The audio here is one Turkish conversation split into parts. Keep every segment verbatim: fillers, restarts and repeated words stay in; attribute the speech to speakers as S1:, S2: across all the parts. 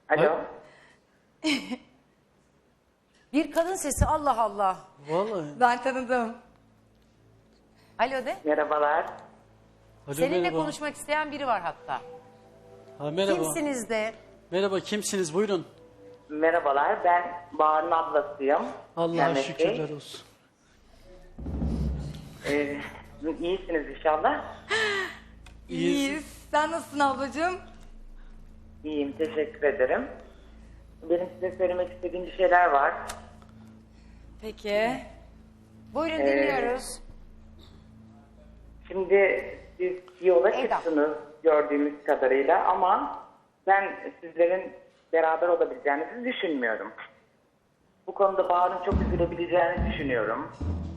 S1: Alo.
S2: Bir kadın sesi, Allah Allah.
S3: Vallahi.
S4: Ben tanıdım.
S2: Alo de.
S1: Merhabalar.
S3: Alo,
S2: Seninle
S3: merhaba.
S2: konuşmak isteyen biri var hatta.
S3: Ha, merhaba.
S2: Kimsiniz de?
S3: Merhaba, kimsiniz? Buyurun.
S1: Merhabalar. Ben Bahar'ın ablasıyım.
S3: Allah'a
S1: Mehmet Bey.
S3: şükürler olsun.
S1: Ee, iyisiniz inşallah.
S4: İyiyiz. Sen nasılsın ablacığım?
S1: İyiyim. Teşekkür ederim. Benim size söylemek istediğim bir şeyler var.
S4: Peki.
S2: Buyurun
S1: Ee,
S2: dinliyoruz.
S1: Şimdi siz yola
S2: Eda.
S1: çıktınız gördüğümüz kadarıyla ama ben sizlerin beraber olabileceğinizi düşünmüyorum. Bu konuda Bahar'ın çok üzülebileceğini düşünüyorum.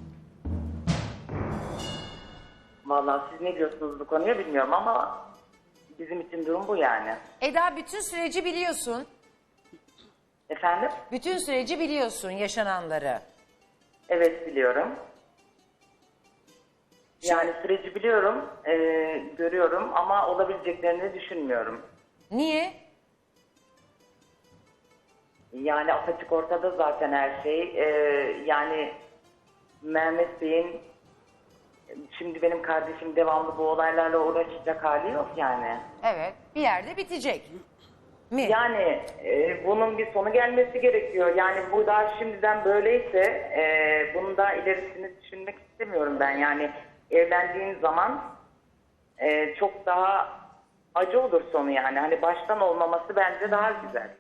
S1: Vallahi siz ne diyorsunuz bu konuya bilmiyorum ama bizim için durum bu yani.
S2: Eda, bütün süreci biliyorsun.
S1: Efendim?
S2: Bütün süreci biliyorsun, yaşananları.
S1: Evet biliyorum. Yani süreci biliyorum, e, görüyorum ama olabileceklerini düşünmüyorum.
S2: Niye?
S1: Yani apaçık ortada zaten her şey. E, yani Mehmet Bey'in şimdi benim kardeşim devamlı bu olaylarla uğraşacak hali yok yani.
S2: Evet, bir yerde bitecek. Mi?
S1: Yani e, bunun bir sonu gelmesi gerekiyor. Yani bu daha şimdiden böyleyse e, bunun daha ilerisini düşünmek istemiyorum ben. Yani evlendiğin zaman e, çok daha acı olur sonu yani. Hani baştan olmaması bence daha güzel.